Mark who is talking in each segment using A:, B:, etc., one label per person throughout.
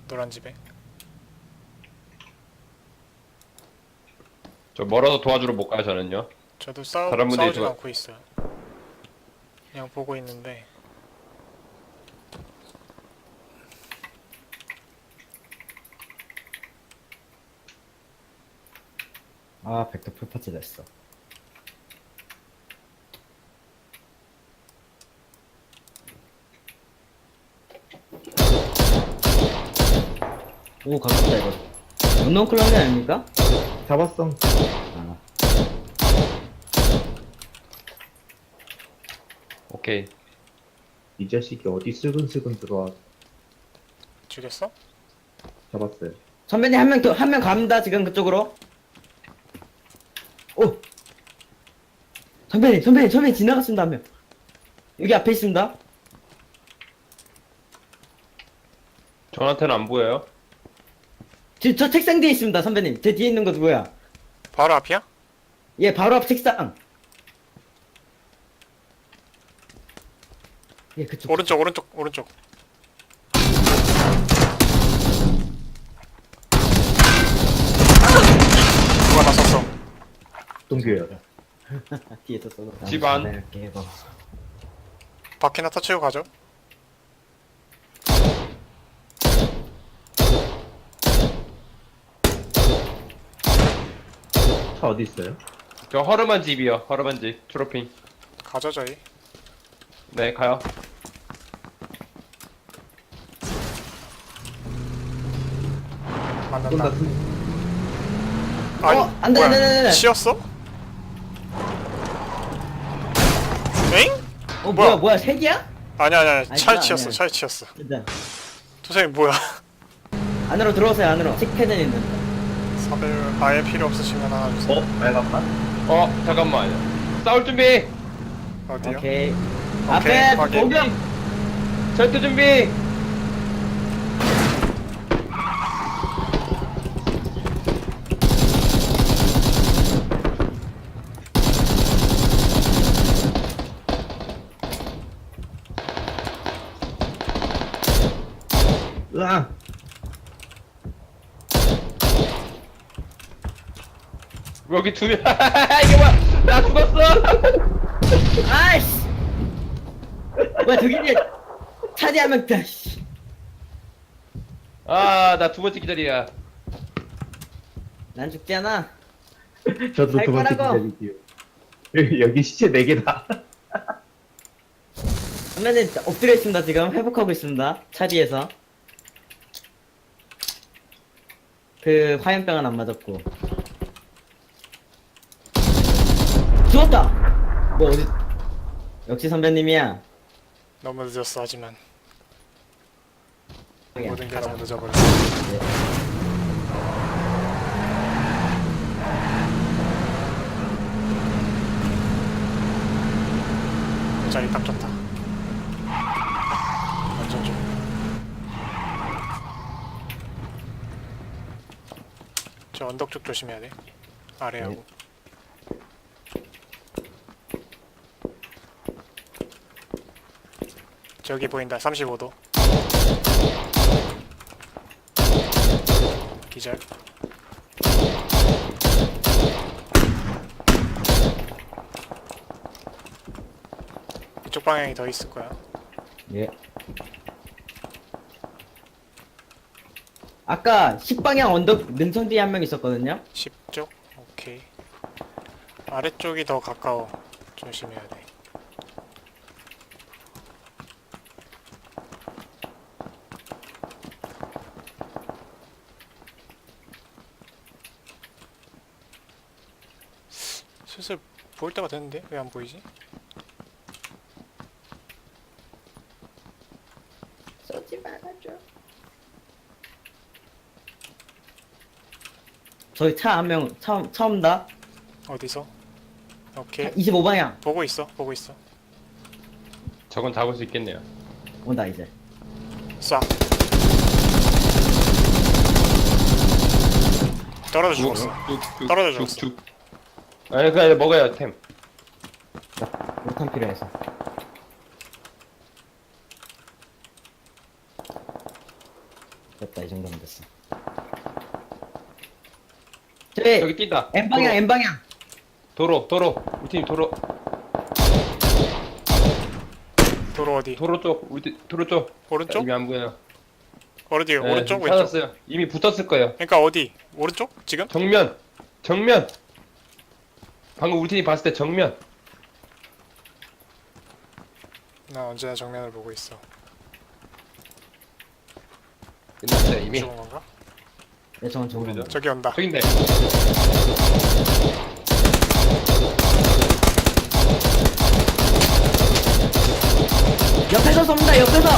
A: 노란 집에.
B: 저 멀어서 도와주러 못 가요 저는요.
A: 저도
B: 다른 분들이
A: 싸우진
B: 좋아-
A: 않고 있어요. 그냥 보고 있는데.
C: 아, 벡터 풀파츠 됐어. 오, 가깝다, 이거. 운동 클럽이 아닙니까?
D: 잡았어.
C: 아,
B: 오케이.
D: 이 자식이 어디 슬근슬근 들어와.
A: 죽였어?
D: 잡았어요.
C: 선배님 한 명 갑니다, 지금 그쪽으로. 오! 선배님 지나갔습니다, 한 명. 여기 앞에 있습니다.
B: 저한테는 안 보여요.
C: 지금 저 책상 뒤에 있습니다, 선배님. 제 뒤에 있는 거 누구야?
A: 바로 앞이야?
C: 예, 바로 앞 책상. 예, 그쪽.
A: 오른쪽. 누가 나 썼어?
D: 동규야.
C: 뒤에서 쏘고.
B: 집 안.
C: 이렇게 해봐.
A: 바퀴나 터치고 가죠.
D: 차 어디 있어요?
B: 저 허름한 집이요. 허름한 집. 트로핑.
A: 가죠 저희.
B: 네 가요.
A: 만난다.
D: 쏜다.
A: 아니,
C: 안 돼,
A: 뭐야?
C: 안 돼, 안 돼, 안 돼.
A: 치였어? 엥?
C: 뭐야, 색이야?
A: 아니야.
C: 아니,
A: 차에
C: 그건
A: 치였어.
C: 아니야.
A: 차에 치였어.
C: 일단.
A: 도생이 뭐야?
C: 안으로 들어오세요, 안으로. 칙패는 있는데.
A: 사벨 아예 필요 없으시면 하나 주세요.
D: 빨간맛?
B: 잠깐만요. 싸울 준비.
A: 어디요?
C: 오케이.
A: 오케이,
C: 앞에
A: 확인.
C: 공격!
B: 절도 준비.
D: 으아!
B: 여기 두 명. 이게 뭐야? 나 죽었어.
C: 아이씨! 뭐야, 저기 이제 차지하면 돼, 씨.
B: 나 두 번째 기다리야.
C: 난 죽지 않아.
D: 저도
C: 살
D: 두 번째
C: 거라고.
D: 기다릴게요. 여기 시체 4개다.
C: 선배님, 엎드려 있습니다, 지금. 회복하고 있습니다. 차 뒤에서. 그, 화염병은 안 맞았고. 죽었다! 뭐, 어디, 역시 선배님이야.
A: 너무 늦었어 하지만
C: 그냥
A: 모든 게
C: 가자.
A: 너무 늦어버렸어.
C: 네.
A: 자리 딱 좋다. 완전 좋아. 저 언덕 쪽 조심해야 돼. 아래하고. 저기 보인다. 35도. 기절. 이쪽 방향이 더 있을 거야.
C: 예. 아까 식방향 언덕 능선 뒤에 한 명 있었거든요?
A: 10쪽? 오케이. 아래쪽이 더 가까워. 조심해야 돼. 슬슬 보일 때가 됐는데? 왜 안 보이지?
C: 쏘지 말아줘. 저희 차 한 명 처음 다
A: 어디서? 오케이.
C: 25방향
A: 보고 있어. 보고 있어.
B: 저건 잡을 수 있겠네요.
C: 온다 이제.
A: 쏴. 떨어져 죽었어. 떨어져 죽었어.
B: 죽. 아니 그냥 먹어요 템.
C: 못한 필요해서. 됐다, 이 정도면 됐어. 저기,
B: 여기 뛴다.
C: N방향, N방향.
B: 도로. 우리 팀 도로.
A: 도로 어디?
B: 도로 쪽. 우리 팀 도로 쪽.
A: 오른쪽?
B: 이미 안 보여요.
A: 어디?
B: 네,
A: 오른쪽? 왼쪽?
B: 찾았어요. 이미 붙었을 거예요.
A: 그러니까 어디? 오른쪽? 지금?
B: 정면. 방금 우리 팀이 봤을 때 정면.
A: 나 언제나 정면을 보고 있어.
B: 끝났어요 이미.
A: 죽은 건가?
C: 네, 저건 정면.
B: 모르죠.
A: 저기 온다.
B: 저긴데.
C: 옆에서 쏩니다, 옆에서!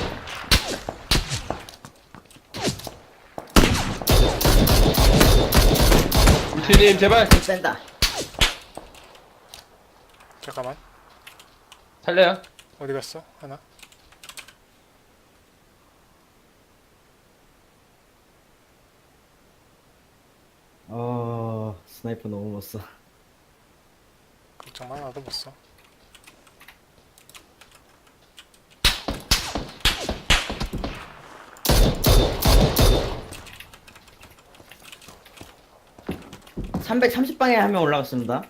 B: 우리 팀님 제발
C: 센다.
A: 잠깐만.
B: 살려요.
A: 어디 갔어? 하나?
C: 스나이퍼 너무 못 써.
A: 걱정 마, 나도 못 써.
C: (330) 방에 한 명 올라갔습니다.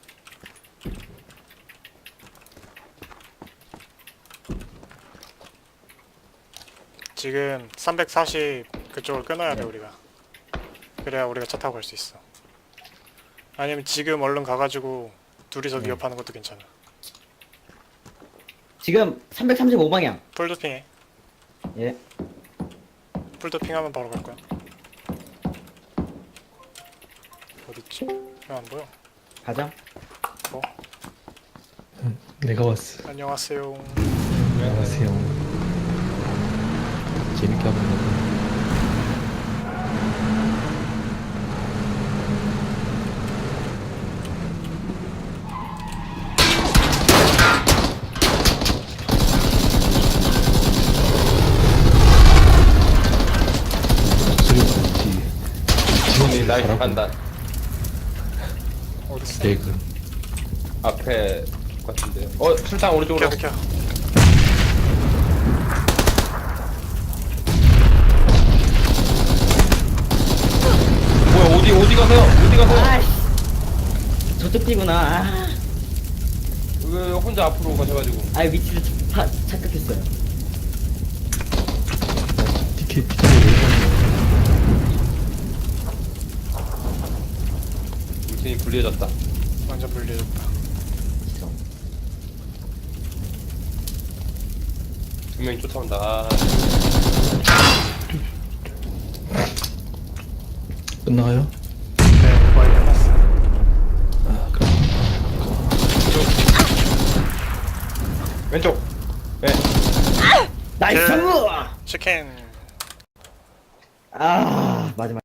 A: 지금 340 그쪽을 끊어야 돼
C: 네.
A: 우리가. 그래야 우리가 차 타고 갈 수 있어. 아니면 지금 얼른 가가지고 둘이서
C: 네.
A: 위협하는 것도 괜찮아.
C: 지금 335 방향.
A: 풀도핑해.
C: 예.
A: 풀도핑하면 바로 갈 거야. 어딨지? 왜 안 보여?
C: 가자.
A: 뭐?
E: 내가 왔어.
A: 안녕하세요.
E: 안녕하세요. 재밌게 하고 있는데.
B: 지금이 나이스 판단.
A: 어딨어?
E: 개그.
B: 앞에 같은데요. 술탕 오른쪽으로.
A: 비켜.
B: 뭐야 어디 가세요?
C: 아이씨. 저쪽 뛰구나. 아,
B: 왜 혼자 앞으로 가셔가지고.
C: 위치를 착각했어요.
E: 티켓 왜
B: 우리 팀이 불리해졌다.
A: 완전 불리해졌다.
B: 두 명이 쫓아온다. 아,
E: 끝나가요?
A: 네, 거의 끝났어.
E: 아, 그럼.
B: 왼쪽. 네.
C: 나이스!
A: 치킨.
C: 마지막.